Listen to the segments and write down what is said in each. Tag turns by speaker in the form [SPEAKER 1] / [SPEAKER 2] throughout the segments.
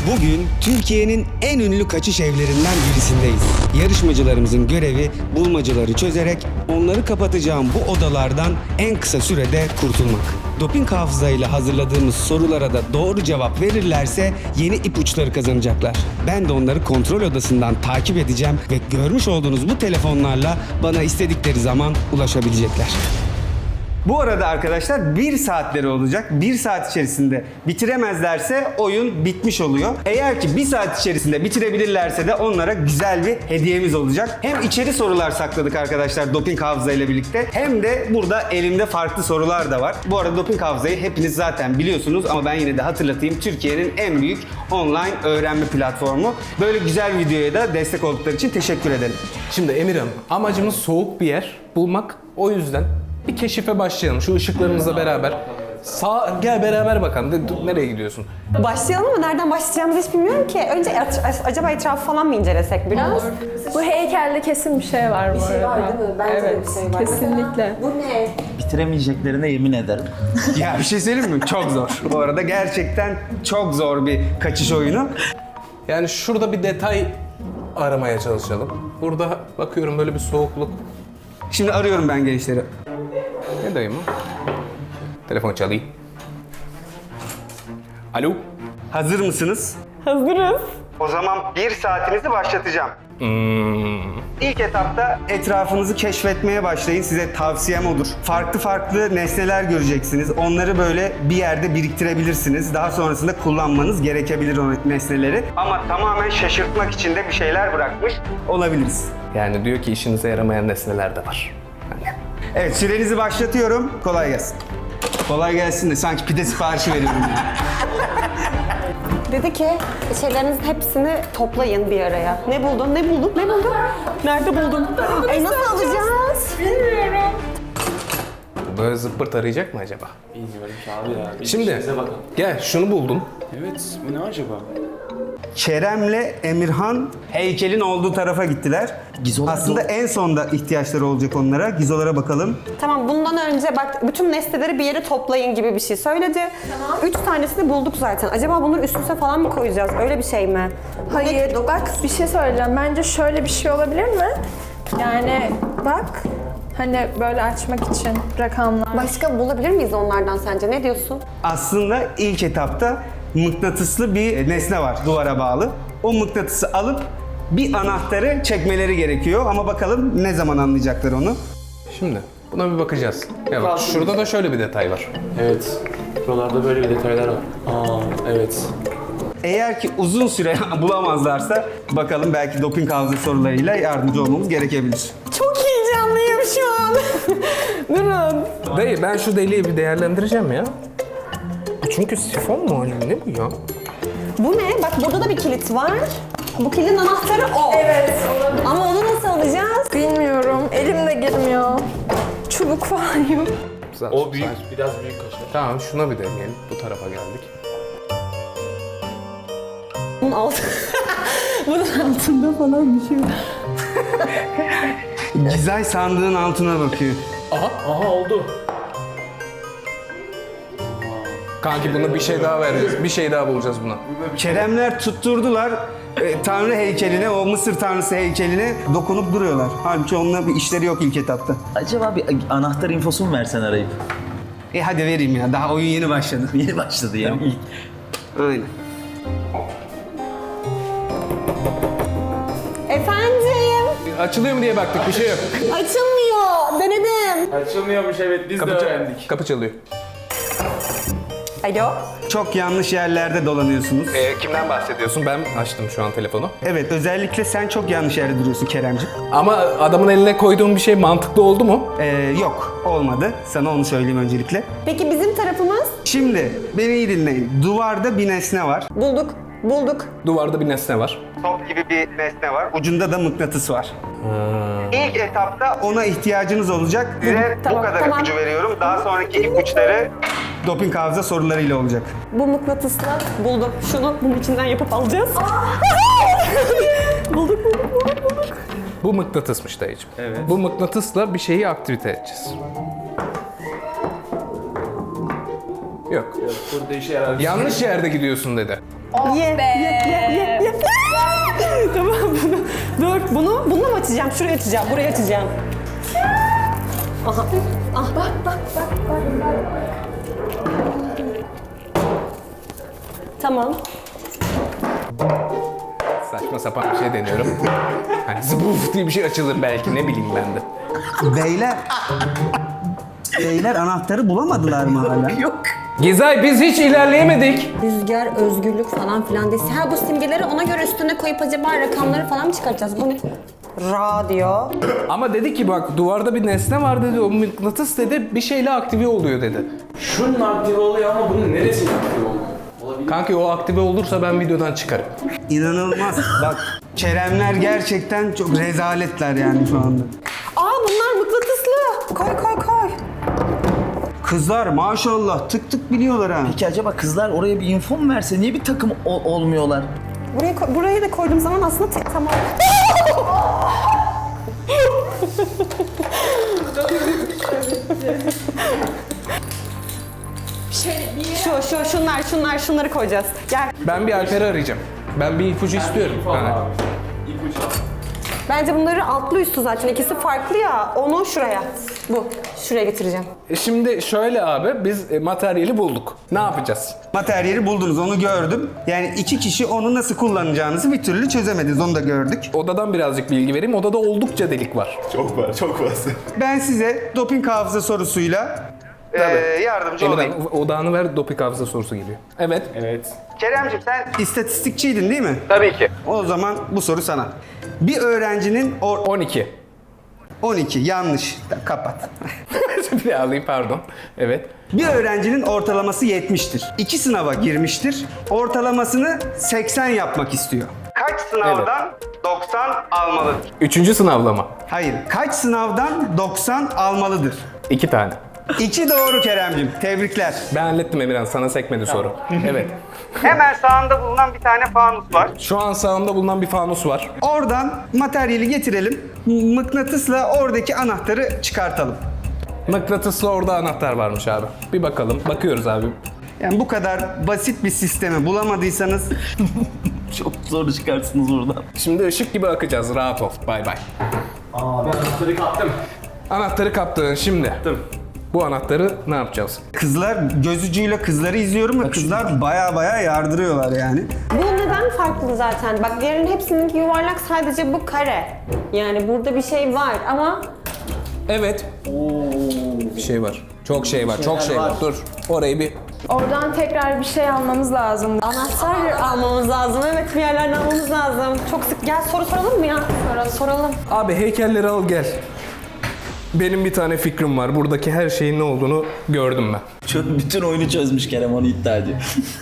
[SPEAKER 1] Bugün Türkiye'nin en ünlü kaçış evlerinden birisindeyiz. Yarışmacılarımızın görevi bulmacaları çözerek onları kapatacağım bu odalardan en kısa sürede kurtulmak. Doping hafızayla hazırladığımız sorulara da doğru cevap verirlerse yeni ipuçları kazanacaklar. Ben de onları kontrol odasından takip edeceğim ve görmüş olduğunuz bu telefonlarla bana istedikleri zaman ulaşabilecekler. Bu arada arkadaşlar 1 saatleri olacak. 1 saat içerisinde bitiremezlerse oyun bitmiş oluyor. Eğer ki 1 saat içerisinde bitirebilirlerse de onlara güzel bir hediyemiz olacak. Hem içeri sorular sakladık arkadaşlar doping hafıza ile birlikte, hem de burada elimde farklı sorular da var. Bu arada doping hafızayı hepiniz zaten biliyorsunuz ama ben yine de hatırlatayım. Türkiye'nin en büyük online öğrenme platformu. Böyle güzel videoya da destek oldukları için teşekkür ederim.
[SPEAKER 2] Şimdi Emirhan, amacımız soğuk bir yer bulmak. O yüzden bir keşife başlayalım. Şu ışıklarımızla beraber. Gel beraber bakalım. Nereye gidiyorsun?
[SPEAKER 3] Başlayalım mı? Nereden başlayacağımızı hiç bilmiyorum ki. Önce acaba etrafı falan mı incelesek biraz?
[SPEAKER 4] Bu heykelde kesin bir şey var bu arada.
[SPEAKER 3] var değil mi? Bence de
[SPEAKER 4] Evet,
[SPEAKER 3] bir şey var.
[SPEAKER 4] kesinlikle.
[SPEAKER 3] Bu ne?
[SPEAKER 5] Bitiremeyeceklerine yemin ederim.
[SPEAKER 1] Ya bir şey söyleyeyim mi? Çok zor. Bu arada gerçekten çok zor bir kaçış oyunu.
[SPEAKER 2] Yani şurada bir detay aramaya çalışalım. Burada bakıyorum böyle bir soğukluk.
[SPEAKER 1] Şimdi arıyorum ben gençleri.
[SPEAKER 2] Ne dayım o? Telefon çalayım. Alo?
[SPEAKER 1] Hazır mısınız?
[SPEAKER 3] Hazırız.
[SPEAKER 1] O zaman 1 saatinizi başlatacağım. İlk etapta etrafınızı keşfetmeye başlayın. Size tavsiyem odur. Farklı farklı nesneler göreceksiniz. Onları böyle bir yerde biriktirebilirsiniz. Daha sonrasında kullanmanız gerekebilir o nesneleri. Ama tamamen şaşırtmak için de bir şeyler bırakmış olabiliriz.
[SPEAKER 2] Yani diyor ki işinize yaramayan nesneler de var.
[SPEAKER 1] Evet, sürenizi başlatıyorum. Kolay gelsin. Kolay gelsin de sanki pide siparişi veriyorum.
[SPEAKER 3] Dedi ki şeylerinizin hepsini toplayın bir araya. Ne buldun? Ne buldun? Ne buldun? Nerede buldun? Nasıl alacağız?
[SPEAKER 4] Bilmiyorum.
[SPEAKER 2] Böyle zıppırt arayacak mı acaba?
[SPEAKER 6] Bilmiyorum ki abi ya. Bir
[SPEAKER 2] Şimdi
[SPEAKER 6] işinize bakın.
[SPEAKER 2] gel şunu buldum.
[SPEAKER 6] Evet, bu ne acaba?
[SPEAKER 1] Kerem'le Emirhan heykelin olduğu tarafa gittiler.
[SPEAKER 5] Gizolar
[SPEAKER 1] Aslında en sonda ihtiyaçları olacak onlara. Gizolara bakalım.
[SPEAKER 3] Tamam, bundan önce bak bütün nesneleri bir yere toplayın gibi bir şey söyledi. Tamam. 3 tanesini bulduk zaten. Acaba bunları üst üste falan mı koyacağız? Öyle bir şey mi?
[SPEAKER 4] Hayır, bak bir şey söyleyeceğim. Bence şöyle bir şey olabilir mi? Yani bak, hani böyle açmak için rakamlar.
[SPEAKER 3] Başka bulabilir miyiz onlardan sence? Ne diyorsun?
[SPEAKER 1] Aslında ilk etapta mıknatıslı bir nesne var duvara bağlı. O mıknatısı alıp bir anahtarı çekmeleri gerekiyor ama bakalım ne zaman anlayacaklar onu.
[SPEAKER 2] Şimdi buna bir bakacağız. Ya bak, şurada da şöyle bir detay var.
[SPEAKER 6] Evet, buralarda böyle bir detaylar var. Aa, evet.
[SPEAKER 1] Eğer ki uzun süre bulamazlarsa bakalım belki doping hafıza sorularıyla yardımcı olmamız gerekebilir.
[SPEAKER 3] Çok heyecanlıyım şu an. Durun.
[SPEAKER 2] Dayı ben şu deliği bir değerlendireceğim ya. Çünkü sifon mu hani ne bu ya?
[SPEAKER 3] Bu ne? Bak burada da bir kilit var. Bu kilidin anahtarı o.
[SPEAKER 4] Evet, olabilir.
[SPEAKER 3] Ama onu nasıl alacağız?
[SPEAKER 4] Bilmiyorum, elim de girmiyor. Çubuk falan yok.
[SPEAKER 6] O büyük, biraz büyük kaşar.
[SPEAKER 2] Tamam şuna bir deneyelim. Bu tarafa geldik.
[SPEAKER 3] Bunun bunun altında falan bir şey var.
[SPEAKER 1] Gizay sandığın altına bakıyor.
[SPEAKER 6] Aha oldu.
[SPEAKER 2] Kanki buna bir şey daha vereceğiz. Bir şey daha bulacağız buna.
[SPEAKER 1] Keremler tutturdular Tanrı heykeline, o Mısır tanrısı heykeline dokunup duruyorlar. Halbuki onunla bir işleri yok ilk etapta.
[SPEAKER 5] Acaba bir anahtar infosu mu versen arayıp?
[SPEAKER 1] Hadi vereyim ya, daha oyun yeni başladı.
[SPEAKER 5] Yeni başladı yani.
[SPEAKER 1] Aynen.
[SPEAKER 3] Efendim?
[SPEAKER 2] Açılıyor mu diye baktık, bir şey yok.
[SPEAKER 3] Açılmıyor. Denedim.
[SPEAKER 6] Açılmıyormuş, evet, biz de öğrendik.
[SPEAKER 2] Kapı çalıyor.
[SPEAKER 3] Alo?
[SPEAKER 1] Çok yanlış yerlerde dolanıyorsunuz.
[SPEAKER 2] Kimden bahsediyorsun? Ben açtım şu an telefonu.
[SPEAKER 1] Evet, özellikle sen çok yanlış yerde duruyorsun Keremciğim.
[SPEAKER 2] Ama adamın eline koyduğum bir şey mantıklı oldu mu?
[SPEAKER 1] Yok, olmadı. Sana onu söyleyeyim öncelikle.
[SPEAKER 3] Peki bizim tarafımız?
[SPEAKER 1] Şimdi beni iyi dinleyin. Duvarda bir nesne var.
[SPEAKER 3] Bulduk.
[SPEAKER 2] Duvarda bir nesne var.
[SPEAKER 1] Top gibi bir nesne var. Ucunda da mıknatıs var. İlk etapta ona ihtiyacınız olacak. Size bu kadar ipucu veriyorum. Daha sonraki ipuçları doping hafıza sorularıyla olacak.
[SPEAKER 3] Bu mıknatısla buldum. Şunu bunun içinden yapıp alacağız. bulduk.
[SPEAKER 2] Bu mıknatısmış dayıcım.
[SPEAKER 1] Evet.
[SPEAKER 2] Bu mıknatısla bir şeyi aktivite edeceğiz. Yok.
[SPEAKER 6] Burada işe yarar.
[SPEAKER 2] Yanlış yerde gidiyorsun dedi.
[SPEAKER 4] Oh
[SPEAKER 3] Ye,
[SPEAKER 4] be.
[SPEAKER 3] ye. Tamam bunu. Dur bununla mı açacağım? Şuraya açacağım, buraya açacağım. Aha. Ah.
[SPEAKER 4] Bak.
[SPEAKER 3] Tamam.
[SPEAKER 2] Saçma sapan bir şey deniyorum. Hani zıbuf diye bir şey açılır belki, ne bileyim ben de.
[SPEAKER 1] Beyler anahtarı bulamadılar mı hala?
[SPEAKER 5] Yok.
[SPEAKER 2] Gizay biz hiç ilerleyemedik.
[SPEAKER 3] Rüzgar, özgürlük falan filan değil. Ha bu simgeleri ona göre üstüne koyup acaba rakamları falan mı çıkartacağız? Bu ne? Radyo.
[SPEAKER 2] Ama dedi ki bak duvarda bir nesne var dedi, o mıknatıs dedi, bir şeyle aktive oluyor dedi.
[SPEAKER 6] Şunun aktive oluyor ama bunun neresi aktive oluyor? Olabilir.
[SPEAKER 2] Kanki o aktive olursa ben videodan çıkarım.
[SPEAKER 1] İnanılmaz. Bak Keremler gerçekten çok rezaletler yani şu anda.
[SPEAKER 3] Aa bunlar mıknatıslı. Koy.
[SPEAKER 1] Kızlar maşallah tık tık biliyorlar ha.
[SPEAKER 5] Peki acaba kızlar oraya bir info mu verse niye bir takım olmuyorlar?
[SPEAKER 3] Buraya da koyduğum zaman aslında tamam. Şunları koyacağız. Gel.
[SPEAKER 2] Ben bir Alper'i arayacağım. Ben bir ipucu istiyorum. Yani.
[SPEAKER 3] Bence bunları altlı üstü zaten. İkisi farklı ya. Onu şuraya. Şuraya getireceğim.
[SPEAKER 2] Şimdi şöyle abi, biz materyali bulduk. Ne yapacağız?
[SPEAKER 1] Materyali buldunuz onu gördüm. Yani iki kişi onu nasıl kullanacağınızı bir türlü çözemediniz onu da gördük.
[SPEAKER 2] Odadan birazcık bilgi vereyim. Odada oldukça delik var.
[SPEAKER 6] Çok fazla.
[SPEAKER 1] Ben size doping hafıza sorusuyla yardımcı olayım.
[SPEAKER 2] Emirhan odağını ver, doping hafıza sorusu geliyor. Evet.
[SPEAKER 1] Keremciğim sen istatistikçiydin değil mi?
[SPEAKER 2] Tabii ki.
[SPEAKER 1] O zaman bu soru sana. Bir öğrencinin
[SPEAKER 2] 12.
[SPEAKER 1] 12 yanlış. Kapat.
[SPEAKER 2] Bir daha alayım, pardon. Evet.
[SPEAKER 1] Bir öğrencinin ortalaması 70'tir. 2 sınava girmiştir. Ortalamasını 80 yapmak istiyor. Kaç sınavdan 90 almalıdır?
[SPEAKER 2] 3. sınavlama.
[SPEAKER 1] Hayır. Kaç sınavdan 90 almalıdır?
[SPEAKER 2] 2 tane.
[SPEAKER 1] 2 doğru Keremciğim. Tebrikler.
[SPEAKER 2] Ben hallettim Emirhan, sana sekmedi soru. Evet.
[SPEAKER 1] Hemen sağında bulunan bir tane fanus var.
[SPEAKER 2] Şu an sağımda bulunan bir fanus var.
[SPEAKER 1] Oradan materyali getirelim. Mıknatısla oradaki anahtarı çıkartalım.
[SPEAKER 2] Mıknatıslı orada anahtar varmış abi. Bir bakalım. Bakıyoruz abi.
[SPEAKER 1] Yani bu kadar basit bir sistemi bulamadıysanız
[SPEAKER 5] Çok zor çıkarsınız oradan.
[SPEAKER 2] Şimdi ışık gibi akacağız. Rahat ol. Bay bay.
[SPEAKER 6] Aa ben anahtarı kaptım.
[SPEAKER 2] Anahtarı kaptın şimdi. Bu anahtarı ne yapacağız?
[SPEAKER 1] kızlar gözücüyle kızları izliyorum ve kızlar baya yardırıyorlar yani.
[SPEAKER 3] Bu neden farklı zaten? Bak diğerinin hepsinin yuvarlak, sadece bu kare. Yani burada bir şey var ama
[SPEAKER 2] Evet. Bir şey var. Çok şey var. Çok şey var. Dur. Orayı bir...
[SPEAKER 4] Oradan tekrar bir şey almamız lazım.
[SPEAKER 3] anahtar almamız lazım. Evet, bir yerlerden almamız lazım. Çok sık. Gel soru soralım mı ya? Soralım.
[SPEAKER 2] Abi heykelleri al gel. Benim bir tane fikrim var. Buradaki her şeyin ne olduğunu gördüm ben.
[SPEAKER 5] Bütün oyunu çözmüş Kerem, onu iddia ediyor.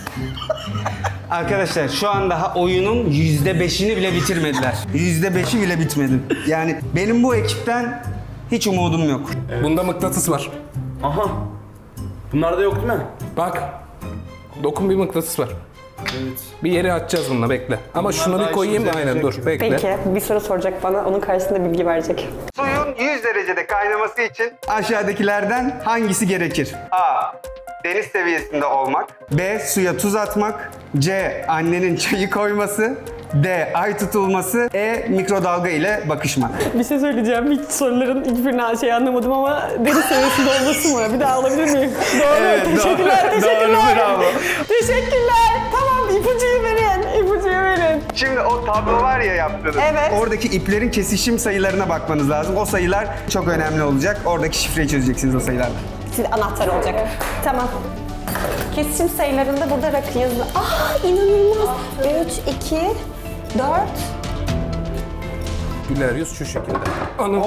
[SPEAKER 1] Arkadaşlar şu an daha oyunun %5'ini bile bitirmediler. %5'i bile bitmedi. Yani benim bu ekipten hiç umudum yok.
[SPEAKER 2] Bunda mıknatıs var.
[SPEAKER 6] Aha. Bunlarda yok değil mi?
[SPEAKER 2] Bak. Dokun, bir mıknatıs var.
[SPEAKER 6] Evet.
[SPEAKER 2] Bir yere açacağız bununla, bekle. Ama şunu
[SPEAKER 6] daha
[SPEAKER 2] bir koyayım.
[SPEAKER 6] işimize
[SPEAKER 2] Aynen dur, bekle.
[SPEAKER 3] Peki, bir soru soracak bana. Onun karşısında bilgi verecek.
[SPEAKER 1] Suyun 100 derecede kaynaması için aşağıdakilerden hangisi gerekir? A. Deniz seviyesinde olmak. B. Suya tuz atmak. C. Annenin çayı koyması. D. Ay tutulması. E. Mikrodalga ile bakışmak.
[SPEAKER 3] Bir şey söyleyeceğim. Hiç soruların hiçbirini anlamadım ama deniz seviyesinde olması mı? Bir daha alabilir miyim? Doğru.
[SPEAKER 1] Evet,
[SPEAKER 3] teşekkürler.
[SPEAKER 1] doğru, bravo.
[SPEAKER 3] Teşekkürler. Tamam, ipucuyu verin.
[SPEAKER 1] Şimdi o tablo var ya yaptığınız.
[SPEAKER 3] Evet.
[SPEAKER 1] Oradaki iplerin kesişim sayılarına bakmanız lazım. O sayılar çok önemli olacak. Oradaki şifreyi çözeceksiniz o sayılarla.
[SPEAKER 3] Şimdi anahtar olacak. Tamam. Kesişim sayılarında burada rakı yazılı. Aa, inanılmaz. 3, 2, 4.
[SPEAKER 2] Güler yüz şu şekilde. Anam.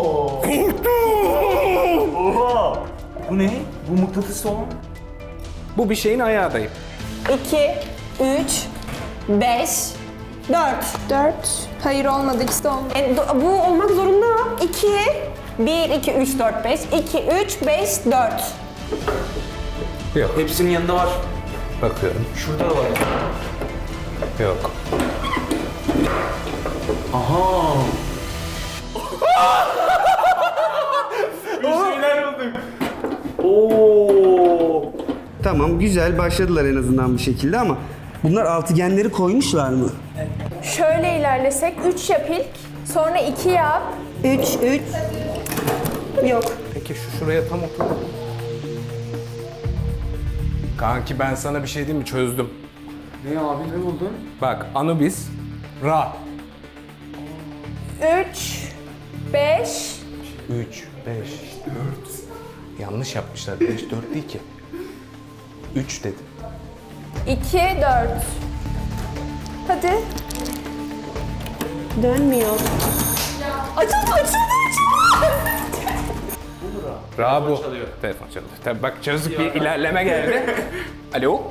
[SPEAKER 6] Oha. Bu ne? Bu mıknatıs olan.
[SPEAKER 2] Bu bir şeyin ayağı dayı.
[SPEAKER 3] 2, 3, 5, 4.
[SPEAKER 4] 4. Hayır olmadı, ikisi de olmadı.
[SPEAKER 3] Bu olmak zorunda. 2, 1, 2, 3, 4, 5. 2, 3, 5, 4.
[SPEAKER 2] Yok.
[SPEAKER 6] Hepsinin yanında var.
[SPEAKER 2] Bakıyorum.
[SPEAKER 6] Şurada da var.
[SPEAKER 2] Yok.
[SPEAKER 6] Aha. Bir şeyler bulduk. Oo.
[SPEAKER 1] Tamam güzel başladılar en azından bir şekilde ama Bunlar altıgenleri koymuşlar mı?
[SPEAKER 4] Şöyle ilerlesek 3 yap ilk. Sonra 2 yap.
[SPEAKER 3] 3. Yok.
[SPEAKER 2] Peki şuraya tam otur. Kanki ben sana bir şey diyeyim mi? Çözdüm.
[SPEAKER 6] Ne abi ne buldun?
[SPEAKER 2] Bak Anubis, Ra.
[SPEAKER 4] 3, 5,
[SPEAKER 2] 3, 5, 4. Yanlış yapmışlar. 5, 4 değil ki. 3 dedi.
[SPEAKER 4] 2, 4. Hadi.
[SPEAKER 3] Dönmüyor.
[SPEAKER 4] Açıldı.
[SPEAKER 2] Ra bu. Telefon çalıyor. Tabii bak çözdük, bir ilerleme geldi. Alo?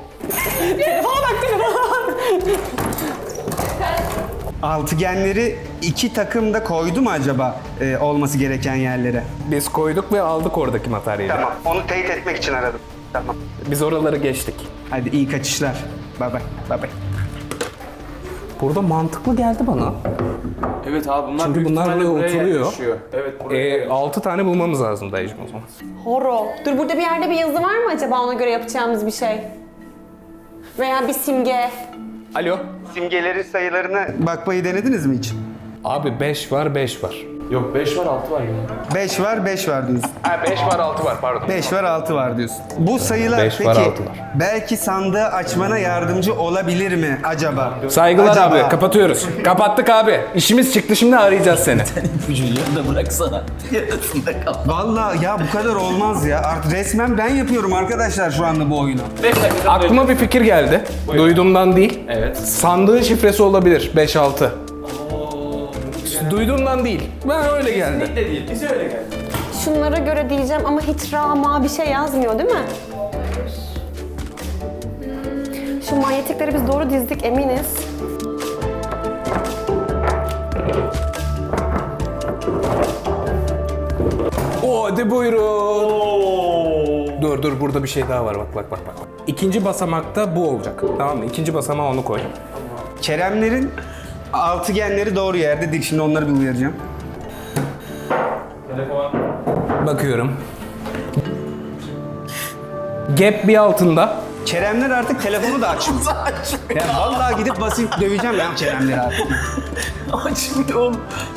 [SPEAKER 1] Altıgenleri iki takım da koydu mu acaba olması gereken yerlere?
[SPEAKER 2] Biz koyduk ve aldık oradaki materyali.
[SPEAKER 1] Tamam. Onu teyit etmek için aradım. Tamam.
[SPEAKER 2] Biz oraları geçtik.
[SPEAKER 1] Hadi iyi kaçışlar. Bay bay. Bay bay.
[SPEAKER 2] Burada mantıklı geldi bana.
[SPEAKER 6] Evet abi bunlar
[SPEAKER 2] Çünkü
[SPEAKER 6] büyük
[SPEAKER 2] bunlar
[SPEAKER 6] ihtimalle
[SPEAKER 2] buraya oturuyor.
[SPEAKER 6] yerleşiyor. Evet buraya.
[SPEAKER 2] 6 tane bulmamız lazım dayıcım o zaman.
[SPEAKER 3] Horo. Dur burada bir yerde bir yazı var mı acaba ona göre yapacağımız bir şey? Veya bir simge.
[SPEAKER 2] Alo?
[SPEAKER 1] Simgelerin sayılarına bakmayı denediniz mi hiç?
[SPEAKER 2] Abi 5 var, 5 var.
[SPEAKER 6] Yok 5 var 6 var yine.
[SPEAKER 1] 5 var, 5 var diyorsun.
[SPEAKER 2] Ha 5 var, 6 var pardon.
[SPEAKER 1] 5 var, 6 var diyorsun. Bu sayılar
[SPEAKER 2] Beş
[SPEAKER 1] peki
[SPEAKER 2] var, 6 var.
[SPEAKER 1] belki sandığı açmana yardımcı olabilir mi acaba?
[SPEAKER 2] Saygılar
[SPEAKER 1] Acaba?
[SPEAKER 2] abi, kapatıyoruz. Kapattık abi. İşimiz çıktı, şimdi arayacağız seni.
[SPEAKER 5] İpucunu yarıda bıraksana. Yarısında kal.
[SPEAKER 1] Vallahi ya bu kadar olmaz ya. Artık resmen ben yapıyorum arkadaşlar şu anda bu oyunu.
[SPEAKER 6] 5 dakika.
[SPEAKER 2] Aklıma bir fikir geldi. Duyduğumdan değil.
[SPEAKER 6] Evet.
[SPEAKER 2] Sandığın şifresi olabilir, 5-6. Duyduğumdan değil. Ben öyle geldi.
[SPEAKER 6] Kesinlikle değil. Bize öyle geldi.
[SPEAKER 3] Şunlara göre diyeceğim ama hiç rama bir şey yazmıyor değil mi? Şu manyetikleri biz doğru dizdik eminiz.
[SPEAKER 2] Hadi buyurun. Dur burada bir şey daha var, bak. İkinci basamakta bu olacak. Tamam mı? İkinci basamağa onu koy.
[SPEAKER 1] Keremlerin altıgenleri doğru yerde dik. Şimdi onları bir uyaracağım.
[SPEAKER 6] Telefon.
[SPEAKER 2] Bakıyorum. Gap bir altında.
[SPEAKER 1] Keremler artık telefonu da açmıyor. Ya vallahi gidip basıp döveceğim ya Keremleri artık.
[SPEAKER 5] Açmıyor oğlum.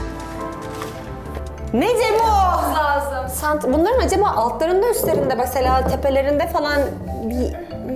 [SPEAKER 3] Ne Cemo?
[SPEAKER 4] Lazım.
[SPEAKER 3] Bunların acaba altlarında üstlerinde mesela tepelerinde falan bir...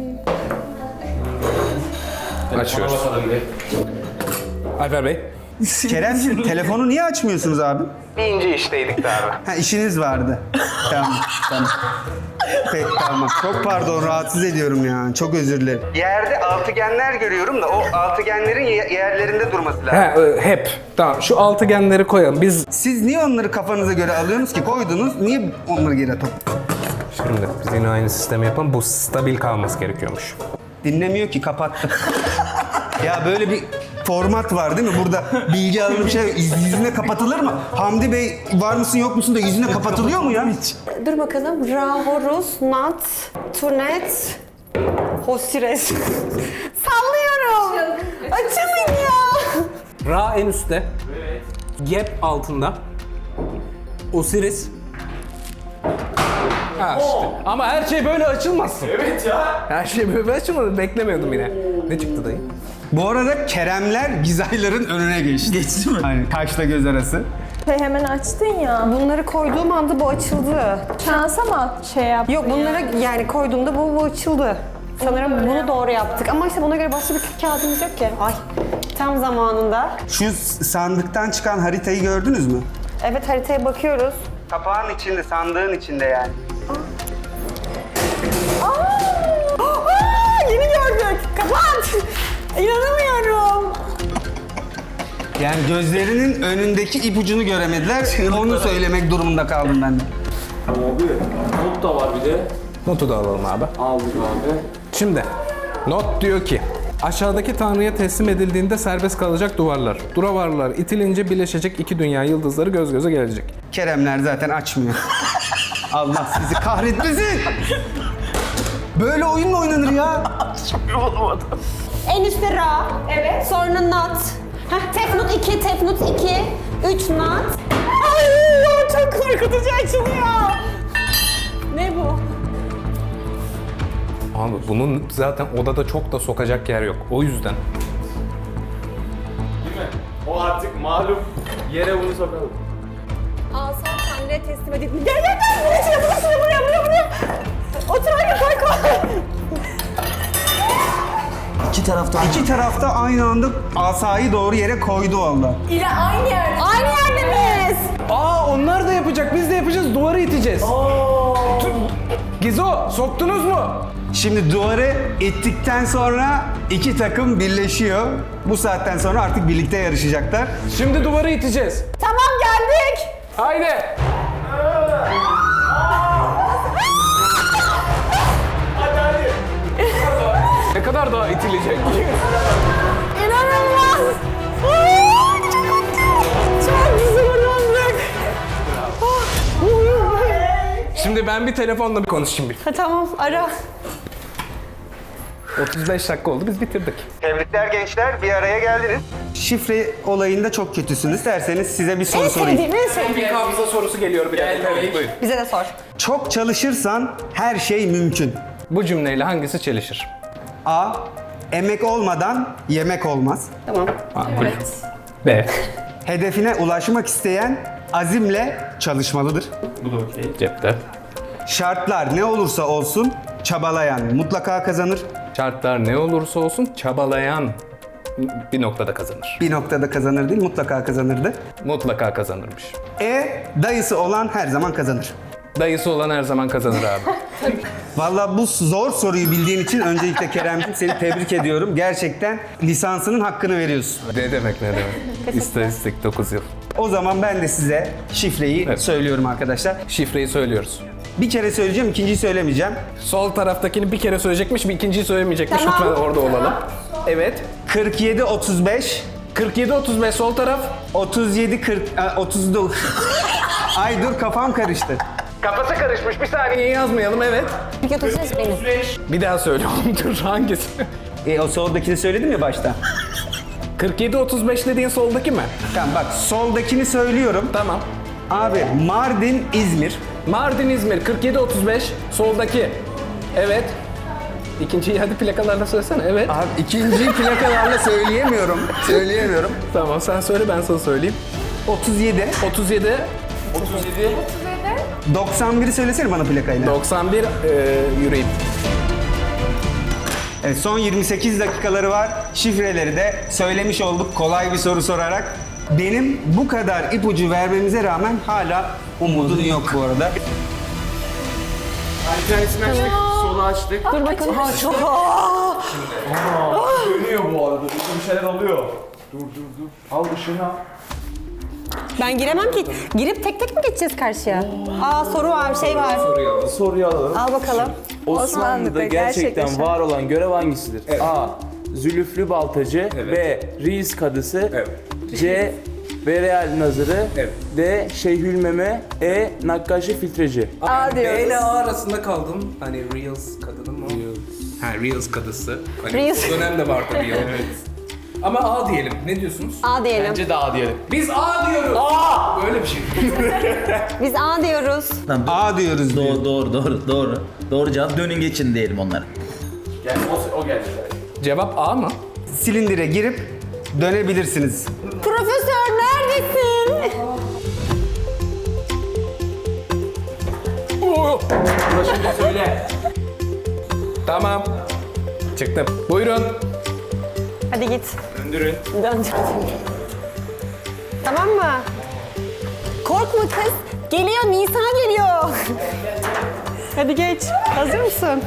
[SPEAKER 2] Açıyoruz. Alper Bey.
[SPEAKER 1] Keremciğim telefonu niye açmıyorsunuz abi?
[SPEAKER 2] Bir ince işteydik de abi.
[SPEAKER 1] Ha işiniz vardı. Tamam. Peki tamam. Çok pardon rahatsız ediyorum ya. Çok özür dilerim. Yerde altıgenler görüyorum da o altıgenlerin yerlerinde durması lazım.
[SPEAKER 2] Hep. Tamam şu altıgenleri koyalım. Biz
[SPEAKER 1] Siz niye onları kafanıza göre alıyorsunuz ki? Koydunuz. Niye onları geri atıp?
[SPEAKER 2] şimdi biz yine aynı sistemi yapalım. Bu stabil kalması gerekiyormuş.
[SPEAKER 1] Dinlemiyor ki kapattı. Ya böyle bir format var değil mi? Burada bilgi alınıp şey yüzüne kapatılır mı? Hamdi Bey var mısın yok musun da yüzüne kapatılıyor mu ya?
[SPEAKER 3] Dur bakalım. Ra, Horus, Nat, Tunet, Hosires. Sallıyorum. Açılın ya.
[SPEAKER 2] Ra en üstte. Evet. Gap altında. Osiris. Ha işte. Ama her şey böyle açılmasın.
[SPEAKER 6] Evet ya.
[SPEAKER 2] Her şey böyle açılmadı. Beklemiyordum yine. Ne çıktı dayı?
[SPEAKER 1] Bu arada Keremler Gizaylar'ın önüne geçti.
[SPEAKER 5] Geçti mi?
[SPEAKER 1] Hani kaşla göz arası.
[SPEAKER 4] Hemen açtın ya.
[SPEAKER 3] Bunları koyduğum anda bu açıldı.
[SPEAKER 4] Şansa mı şey yap?
[SPEAKER 3] Yok bunları yani koyduğumda bu açıldı. Sanırım bunu doğru yaptık ama işte buna göre başka bir kağıdımız yok ki. Ay tam zamanında.
[SPEAKER 1] Şu sandıktan çıkan haritayı gördünüz mü?
[SPEAKER 3] Evet haritaya bakıyoruz.
[SPEAKER 1] Kapağın içinde, sandığın içinde yani.
[SPEAKER 3] Yeni gördük. Kapat. İnanamıyorum.
[SPEAKER 1] Yani gözlerinin önündeki ipucunu göremediler. Onu söylemek durumunda kaldım ben de.
[SPEAKER 6] Abi not da var bir de.
[SPEAKER 2] Notu da alalım abi.
[SPEAKER 6] Aldık abi.
[SPEAKER 2] Şimdi not diyor ki aşağıdaki tanrıya teslim edildiğinde serbest kalacak duvarlar. Duravarlar itilince birleşecek iki dünya yıldızları göz göze gelecek.
[SPEAKER 1] Keremler zaten açmıyor. Allah sizi kahretmesin. Böyle oyun mu oynanır ya?
[SPEAKER 3] En üstte Ra. Evet. Sonra Nat. Tefnut 2, Tefnut 2, 3 Nat. Ay çok korkutucu açılıyor. Ne bu?
[SPEAKER 2] Abi bunun zaten odada çok da sokacak yer yok. O yüzden.
[SPEAKER 6] Değil mi? O artık malum yere bunu sokalım.
[SPEAKER 3] Alsan Tanrı'ya teslim edip... Gel gel gel! Buraya! Otur hadi koy.
[SPEAKER 5] İki taraftan.
[SPEAKER 1] İki tarafta aynı anda asayı doğru yere koydu valla.
[SPEAKER 4] İle aynı yerde.
[SPEAKER 3] Aynı yerde miyiz?
[SPEAKER 2] Aa onlar da yapacak, biz de yapacağız. Duvarı iteceğiz. Gizo, soktunuz mu?
[SPEAKER 1] Şimdi duvarı ittikten sonra iki takım birleşiyor. Bu saatten sonra artık birlikte yarışacaklar.
[SPEAKER 2] Şimdi duvarı iteceğiz.
[SPEAKER 3] Tamam geldik.
[SPEAKER 2] Haydi. Ne kadar daha itilecek?
[SPEAKER 3] İnanılmaz. Çok güzel uyandık.
[SPEAKER 2] Şimdi ben bir telefonla bir konuşayım bir.
[SPEAKER 3] Ha, tamam ara.
[SPEAKER 2] 35 dakika oldu, biz bitirdik.
[SPEAKER 1] Tebrikler gençler, bir araya geldiniz. Şifre olayında çok kötüsünüz. İsterseniz size bir soru
[SPEAKER 3] En
[SPEAKER 1] sorayım.
[SPEAKER 3] sevdiğim, en sevdiğim.
[SPEAKER 2] Bir hafıza sorusu geliyor bir dakika. Evet, buyurun.
[SPEAKER 3] Bize de sor.
[SPEAKER 1] Çok çalışırsan her şey mümkün.
[SPEAKER 2] Bu cümleyle hangisi çelişir?
[SPEAKER 1] A. Emek olmadan yemek olmaz.
[SPEAKER 3] Tamam.
[SPEAKER 2] B.
[SPEAKER 1] Hedefine ulaşmak isteyen azimle çalışmalıdır.
[SPEAKER 6] Bu da okey.
[SPEAKER 2] Cepte.
[SPEAKER 1] Şartlar ne olursa olsun çabalayan mutlaka kazanır.
[SPEAKER 2] Şartlar ne olursa olsun çabalayan bir noktada kazanır.
[SPEAKER 1] Bir noktada kazanır değil, mutlaka kazanırdı.
[SPEAKER 2] Mutlaka kazanırmış.
[SPEAKER 1] E. Dayısı olan her zaman kazanır.
[SPEAKER 2] Dayısı olan her zaman kazanır abi.
[SPEAKER 1] Vallahi bu zor soruyu bildiğin için öncelikle Kerem'cim seni tebrik ediyorum. Gerçekten lisansının hakkını veriyorsun.
[SPEAKER 2] Ne demek ne demek. İstatistik 9 yıl.
[SPEAKER 1] O zaman ben de size şifreyi
[SPEAKER 2] Evet.
[SPEAKER 1] söylüyorum arkadaşlar.
[SPEAKER 2] Şifreyi söylüyoruz.
[SPEAKER 1] Bir kere söyleyeceğim, ikinciyi söylemeyeceğim.
[SPEAKER 2] Sol taraftakini bir kere söyleyecekmiş, bir ikinciyi söylemeyecekmiş.
[SPEAKER 3] Tamam.
[SPEAKER 2] Lütfen orada olalım. Evet.
[SPEAKER 1] 47 35
[SPEAKER 2] 47-35 sol taraf.
[SPEAKER 1] 37 40 39. Ay dur kafam karıştı.
[SPEAKER 2] Kafası karışmış. Bir saniye yazmayalım. Evet.
[SPEAKER 3] Bir götürseniz beni.
[SPEAKER 2] Bir daha söyle oğlum. Dur hangisi?
[SPEAKER 1] O soldakini söyledim ya başta.
[SPEAKER 2] 47-35 dediğin soldaki mi?
[SPEAKER 1] Tamam bak soldakini söylüyorum.
[SPEAKER 2] Tamam.
[SPEAKER 1] Abi Mardin, İzmir.
[SPEAKER 2] Mardin, İzmir 47-35 soldaki. Evet. İkinciyi hadi plakalarla söylesene. Evet.
[SPEAKER 1] Abi ikinciyi plakalarla söyleyemiyorum. Söyleyemiyorum.
[SPEAKER 2] Tamam sen söyle ben sana söyleyeyim.
[SPEAKER 1] 37.
[SPEAKER 2] 37
[SPEAKER 1] 91'i söylesene bana plakayla.
[SPEAKER 2] 91 yüreğim.
[SPEAKER 1] Evet, son 28 dakikaları var. Şifreleri de söylemiş olduk kolay bir soru sorarak. Benim bu kadar ipucu vermemize rağmen hala umudun yok bu arada.
[SPEAKER 6] Bir tanesini açtık, solu açtık.
[SPEAKER 3] Dur bakalım. Çok
[SPEAKER 6] Dönüyor bu arada. Bir şeyler oluyor. Dur. Al ışığını al.
[SPEAKER 3] Ben giremem ki. Girip tek tek mi geçeceğiz karşıya? Aa soru var, şey var.
[SPEAKER 6] Soruyu alalım.
[SPEAKER 3] Al bakalım.
[SPEAKER 6] Osmanlı'da gerçekten var olan görev hangisidir? A. Zülüflü baltacı. B. Reis kadısı. C. Bereal nazırı. D. Şeyhülmeme. E. Nakkaşı filtreci.
[SPEAKER 4] A
[SPEAKER 2] B
[SPEAKER 4] diyoruz.
[SPEAKER 2] ile A arasında kaldım. Hani Reels kadını mı? Ha Reels kadısı. Hani
[SPEAKER 3] Reels.
[SPEAKER 2] o dönemde vardı Reels. Evet. Ama A diyelim. Ne diyorsunuz?
[SPEAKER 3] A diyelim.
[SPEAKER 6] Bence de A diyelim.
[SPEAKER 2] Biz A diyoruz. A! Böyle bir şey.
[SPEAKER 3] Biz A diyoruz.
[SPEAKER 1] A diyoruz diyor.
[SPEAKER 5] Doğru cevap dönün geçin diyelim onlara.
[SPEAKER 6] Yani o geldi.
[SPEAKER 2] Cevap A mı?
[SPEAKER 1] Silindire girip dönebilirsiniz.
[SPEAKER 3] Profesör neredesin?
[SPEAKER 6] Ulaşınca söyle.
[SPEAKER 2] Tamam. Çıktım. Buyurun.
[SPEAKER 3] Hadi git.
[SPEAKER 6] Döndürün.
[SPEAKER 3] Dön. Tamam mı? Korkma kız. Geliyor, Nisa geliyor. Hadi geç. Hazır mısın?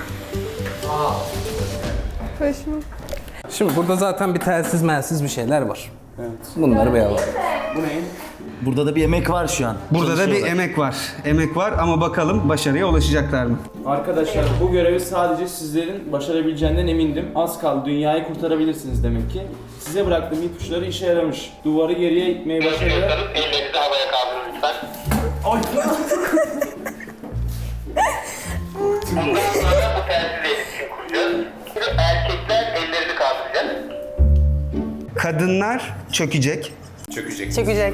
[SPEAKER 2] Şimdi burada zaten bir telsiz melsiz bir şeyler var. Evet. Bunları bir alalım.
[SPEAKER 6] Bu ne?
[SPEAKER 5] Burada da bir emek var şu an.
[SPEAKER 1] Burada da bir emek var. Emek var ama bakalım başarıya ulaşacaklar mı?
[SPEAKER 6] Arkadaşlar bu görevi sadece sizlerin başarabileceğinden emindim. Az kaldı, dünyayı kurtarabilirsiniz demek ki. Size bıraktığım ipuçları işe yaramış. Duvarı geriye itmeye başladılar.
[SPEAKER 7] Ellerinizi havaya kaldırın lütfen. Bundan sonra bu telsizle iletişim kuracağız. Erkekler ellerini kaldıracak.
[SPEAKER 1] Kadınlar çökecek.
[SPEAKER 3] Çökecek.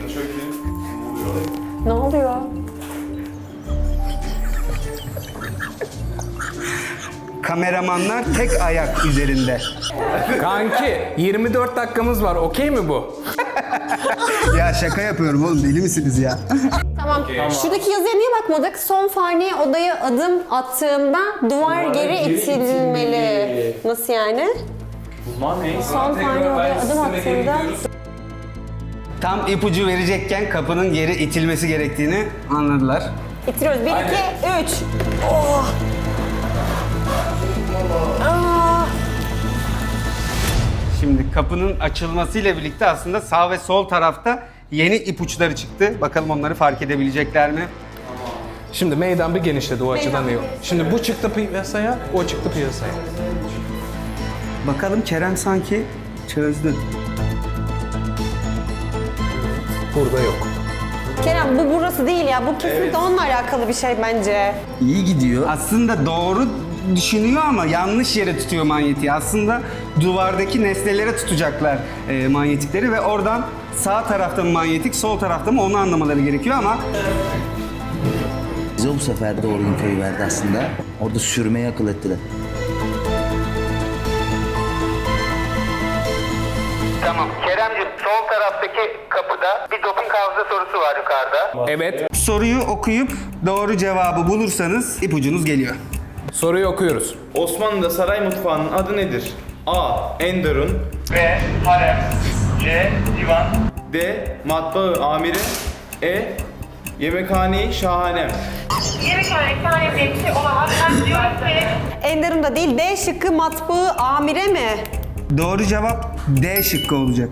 [SPEAKER 3] Ne oluyor?
[SPEAKER 1] Kameramanlar tek ayak üzerinde.
[SPEAKER 2] Kanki 24 dakikamız var. Okey mi bu?
[SPEAKER 1] Ya şaka yapıyorum oğlum, deli misiniz ya?
[SPEAKER 3] Tamam. Şuradaki yazıya niye bakmadık? Son fani odaya adım attığımda duvar geri itilmeli. Nasıl yani?
[SPEAKER 6] Bunlar ne?
[SPEAKER 3] Son fani odaya adım attığımda...
[SPEAKER 1] Tam ipucu verecekken kapının geri itilmesi gerektiğini anladılar.
[SPEAKER 3] İttiriyoruz. 1, 2, 3. Oh. Aa.
[SPEAKER 1] Şimdi kapının açılmasıyla birlikte aslında sağ ve sol tarafta yeni ipuçları çıktı. Bakalım onları fark edebilecekler mi?
[SPEAKER 2] Şimdi meydan bir genişledi o açıdan iyi. Şimdi bu çıktı piyasaya, o çıktı piyasaya.
[SPEAKER 1] Bakalım Kerem sanki çözdü.
[SPEAKER 2] Burada yok.
[SPEAKER 3] Kerem bu burası değil ya. Bu kesinlikle onunla alakalı bir şey bence.
[SPEAKER 5] İyi gidiyor.
[SPEAKER 1] Aslında doğru düşünüyor ama yanlış yere tutuyor manyetiği. Aslında duvardaki nesnelere tutacaklar manyetikleri ve oradan sağ tarafta mı manyetik, sol tarafta mı onu anlamaları gerekiyor ama
[SPEAKER 5] Bize bu sefer doğru infoyu verdi aslında. Orada sürmeyi akıl ettiler.
[SPEAKER 7] Tamam. Keremciğim sol taraftaki kapıda bir doping hafıza sorusu var yukarıda.
[SPEAKER 2] Evet.
[SPEAKER 1] soruyu okuyup doğru cevabı bulursanız ipucunuz geliyor.
[SPEAKER 2] Soruyu okuyoruz.
[SPEAKER 6] Osmanlı'da saray mutfağının adı nedir? A. Enderun,
[SPEAKER 7] B. Harem. C. Divan.
[SPEAKER 6] D. Matbaa amiri, E. Yemekhane-i şahanem.
[SPEAKER 8] Yemekhane sahibi diye bir şey olamaz. Ben diyorum ki
[SPEAKER 3] Enderun da değil. D şıkkı matbaa amire mi?
[SPEAKER 1] Doğru cevap D şıkkı olacak.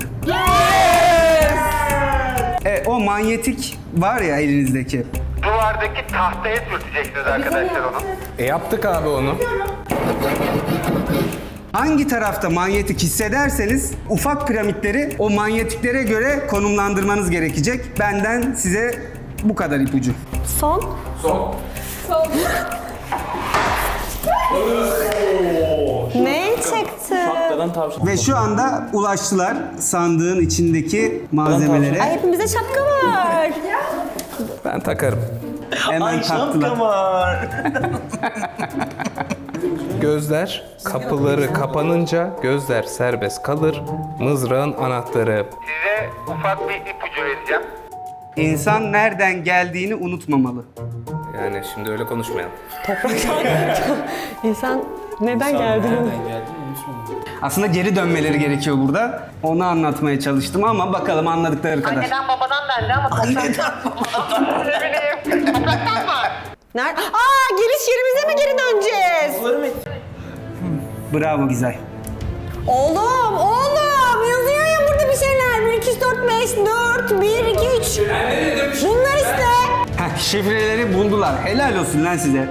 [SPEAKER 1] O manyetik var ya elinizdeki.
[SPEAKER 7] Duvardaki tahtaya sürteceksiniz arkadaşlar onu.
[SPEAKER 2] Yaptık abi onu.
[SPEAKER 1] Hangi tarafta manyetik hissederseniz ufak piramitleri o manyetiklere göre konumlandırmanız gerekecek. Benden size bu kadar ipucu.
[SPEAKER 3] Son. Ne çıktı?
[SPEAKER 6] Şapkadan tavşan.
[SPEAKER 1] Ve şu anda ulaştılar sandığın içindeki malzemelere.
[SPEAKER 3] Ay hepimize şapka var.
[SPEAKER 2] Ben takarım.
[SPEAKER 1] Hemen taktılar.
[SPEAKER 2] Gözler kapıları kapanınca gözler serbest kalır. Mızrağın anahtarı.
[SPEAKER 7] Size ufak bir ipucu vereceğim.
[SPEAKER 1] İnsan nereden geldiğini unutmamalı.
[SPEAKER 2] Yani şimdi öyle konuşmayalım.
[SPEAKER 3] İnsan neden geldi?
[SPEAKER 1] Aslında geri dönmeleri gerekiyor burada. Onu anlatmaya çalıştım ama bakalım anladıkları kadar.
[SPEAKER 7] Anneden babadan dendi ama topraktan. Ne bileyim. Topraktan mı?
[SPEAKER 3] Nerede? Aa giriş yerimize mi geri döneceğiz?
[SPEAKER 1] Bravo Gizay.
[SPEAKER 3] Oğlum yazıyor ya burada bir şeyler. 1, 2, 3, 4, 5, 4, 1, 2, 3. Bunlar işte.
[SPEAKER 1] Heh, şifreleri buldular. Helal olsun lan size.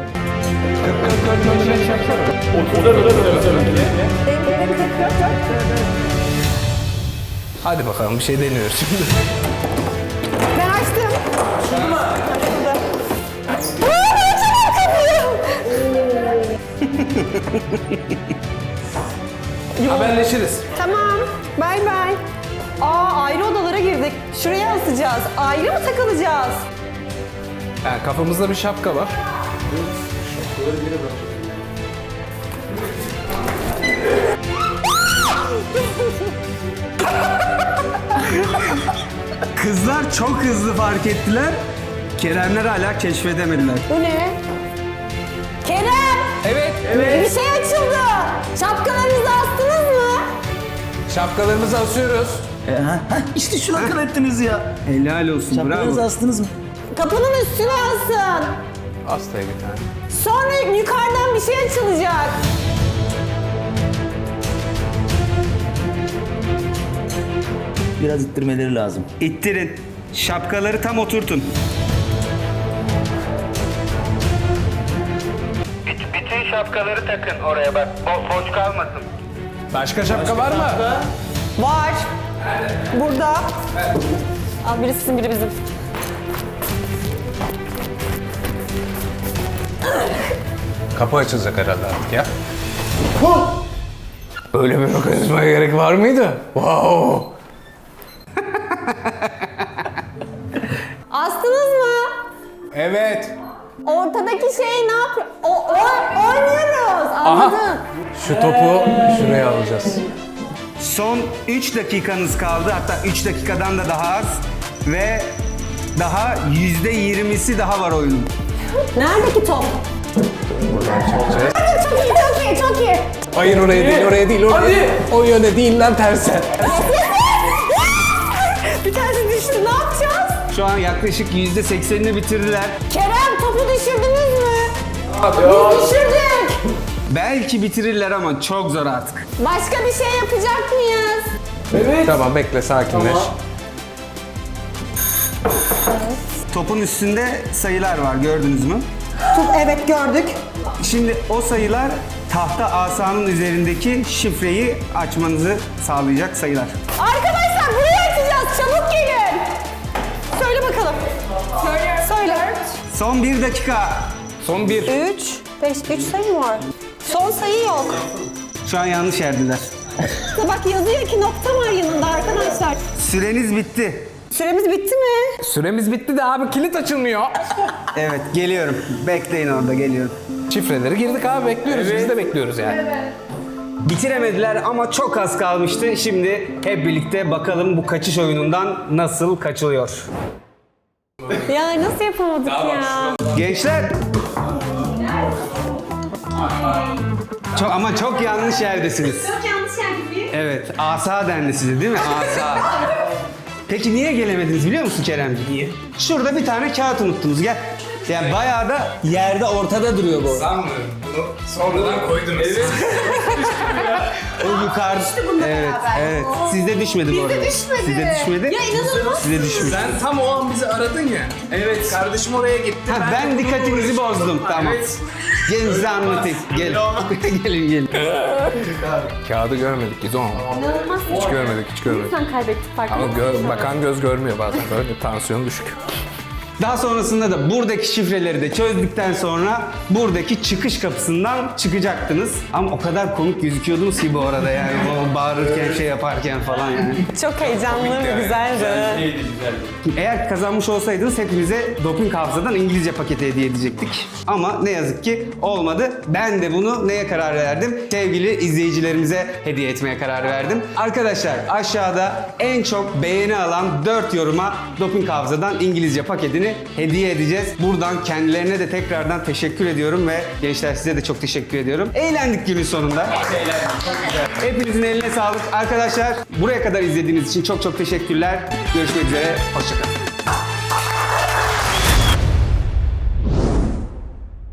[SPEAKER 2] Hadi bakalım bir şey deniyoruz şimdi.
[SPEAKER 3] Ben açtım. Açıldı mı? Açıldı. Aa, ben açamam kapıyı.
[SPEAKER 2] Haberleşiriz.
[SPEAKER 3] Tamam. Bay bay. Aa ayrı odalara girdik. Şuraya asacağız. Ayrı mı takılacağız?
[SPEAKER 2] Yani kafamızda bir şapka var.
[SPEAKER 1] Kızlar çok hızlı fark ettiler. Keremler hala keşfedemediler.
[SPEAKER 3] Bu ne? Kerem!
[SPEAKER 2] Evet.
[SPEAKER 3] Bir şey açıldı. Şapkalarınızı astınız mı?
[SPEAKER 2] Şapkalarımızı asıyoruz.
[SPEAKER 5] İşte şunu akıl ettiniz ya.
[SPEAKER 1] Helal olsun.
[SPEAKER 5] Şapkanızı
[SPEAKER 1] Bravo.
[SPEAKER 5] astınız mı?
[SPEAKER 3] Kapının üstüne asın.
[SPEAKER 2] Hastaya bir tane.
[SPEAKER 3] Sonra yukarıdan bir şey açılacak.
[SPEAKER 5] Biraz ittirmeleri lazım.
[SPEAKER 1] İttirin. Şapkaları tam oturtun.
[SPEAKER 7] Bütün şapkaları takın oraya bak. Boş kalmasın.
[SPEAKER 2] Başka şapka var mı?
[SPEAKER 3] Var. Burada. Al biri sizin biri bizim.
[SPEAKER 2] Kapı açılacak herhalde artık ya. Böyle bir mekanizmaya gerek var mıydı? Wow.
[SPEAKER 3] Astınız mı?
[SPEAKER 2] Evet.
[SPEAKER 3] Ortadaki şey ne yapıyor? Oynuyoruz. Anladın?
[SPEAKER 2] Şu topu şuraya alacağız.
[SPEAKER 1] Son 3 dakikanız kaldı. Hatta 3 dakikadan da daha az. Ve daha %20'si daha var oyunun.
[SPEAKER 3] Neredeki top?
[SPEAKER 2] Buradan çekeceğiz.
[SPEAKER 3] Çok iyi, çok iyi, çok iyi.
[SPEAKER 2] Hayır oraya değil, oraya değil, oraya değil. O yöne değil lan terse.
[SPEAKER 3] Bir tanesi düştü, ne yapacağız?
[SPEAKER 1] Şu an yaklaşık %80'ini bitirdiler.
[SPEAKER 3] Kerem topu düşürdünüz mü? Biz düşürdük.
[SPEAKER 1] Belki bitirirler ama çok zor artık.
[SPEAKER 3] Başka bir şey yapacak mıyız?
[SPEAKER 2] Tamam bekle, sakinleş.
[SPEAKER 1] Topun üstünde sayılar var, gördünüz mü?
[SPEAKER 3] Evet gördük.
[SPEAKER 1] Şimdi o sayılar tahta asanın üzerindeki şifreyi açmanızı sağlayacak sayılar.
[SPEAKER 3] Arkadaşlar burayı açacağız, çabuk gelin. Söyle bakalım. Söyle.
[SPEAKER 1] Son 1 dakika.
[SPEAKER 2] Son bir.
[SPEAKER 3] 3 sayı mı var? Son sayı yok.
[SPEAKER 1] Şu an yanlış yerdiler.
[SPEAKER 3] İşte bak yazıyor ki nokta var yanında arkadaşlar.
[SPEAKER 1] Süreniz bitti.
[SPEAKER 3] Süremiz bitti mi?
[SPEAKER 2] Süremiz bitti de abi kilit açılmıyor.
[SPEAKER 1] Evet, geliyorum. Bekleyin orada, geliyorum.
[SPEAKER 2] Şifreleri girdik abi, bekliyoruz. Biz de bekliyoruz yani.
[SPEAKER 1] Bitiremediler ama çok az kalmıştı. Şimdi hep birlikte bakalım bu kaçış oyunundan nasıl kaçılıyor.
[SPEAKER 3] Ya nasıl yapamadık ya?
[SPEAKER 1] Gençler. Çok yanlış yerdesiniz.
[SPEAKER 3] Çok yanlış yerde değil.
[SPEAKER 1] Evet, asa dendi size değil mi? Asa. Peki niye gelemediniz biliyor musun Keremciğim? Niye? Şurada bir tane kağıt unuttunuz, gel. Yani bayağı da yerde ortada duruyor bu.
[SPEAKER 2] Sanmıyorum. Bunu sonradan koydunuz. Evet.
[SPEAKER 1] O yukarıda. Evet, evet. Sizde düşmedi bu arada.
[SPEAKER 3] düşmedi.
[SPEAKER 1] Sizde düşmedi.
[SPEAKER 3] Ya inanılmaz.
[SPEAKER 1] Sizde düşmüş.
[SPEAKER 2] Sen tam o an bizi aradın ya. Evet. Kardeşim oraya gitti.
[SPEAKER 1] Ha, ben dikkatinizi bozdum. Tamam.
[SPEAKER 2] Evet.
[SPEAKER 1] Gelin size anlatayım. Gelin. gelin.
[SPEAKER 2] Kağıdı görmedik İzon.
[SPEAKER 3] İnanılmaz.
[SPEAKER 2] Hiç görmedik, hiç görmedik.
[SPEAKER 3] Sen kaybettik fark
[SPEAKER 2] Ama
[SPEAKER 3] ettin.
[SPEAKER 2] bakan göz görmüyor bazen. Böyle tansiyonu düşük.
[SPEAKER 1] Daha sonrasında da buradaki şifreleri de çözdükten sonra buradaki çıkış kapısından çıkacaktınız. Ama o kadar komik gözüküyordunuz ki bu arada yani o bağırırken şey yaparken falan yani.
[SPEAKER 3] Çok heyecanlı ve güzeldi.
[SPEAKER 1] Eğer kazanmış olsaydınız hepinize Doping Hafıza'dan İngilizce paketi hediye edecektik. Ama ne yazık ki olmadı. Ben de bunu neye karar verdim? Sevgili izleyicilerimize hediye etmeye karar verdim. Arkadaşlar aşağıda en çok beğeni alan 4 yoruma Doping Hafıza'dan İngilizce paketini hediye edeceğiz. Buradan kendilerine de tekrardan teşekkür ediyorum ve gençler size de çok teşekkür ediyorum. Eğlendik günün sonunda. Hepinizin eline sağlık. Arkadaşlar buraya kadar izlediğiniz için çok teşekkürler. Görüşmek üzere. Hoşçakalın.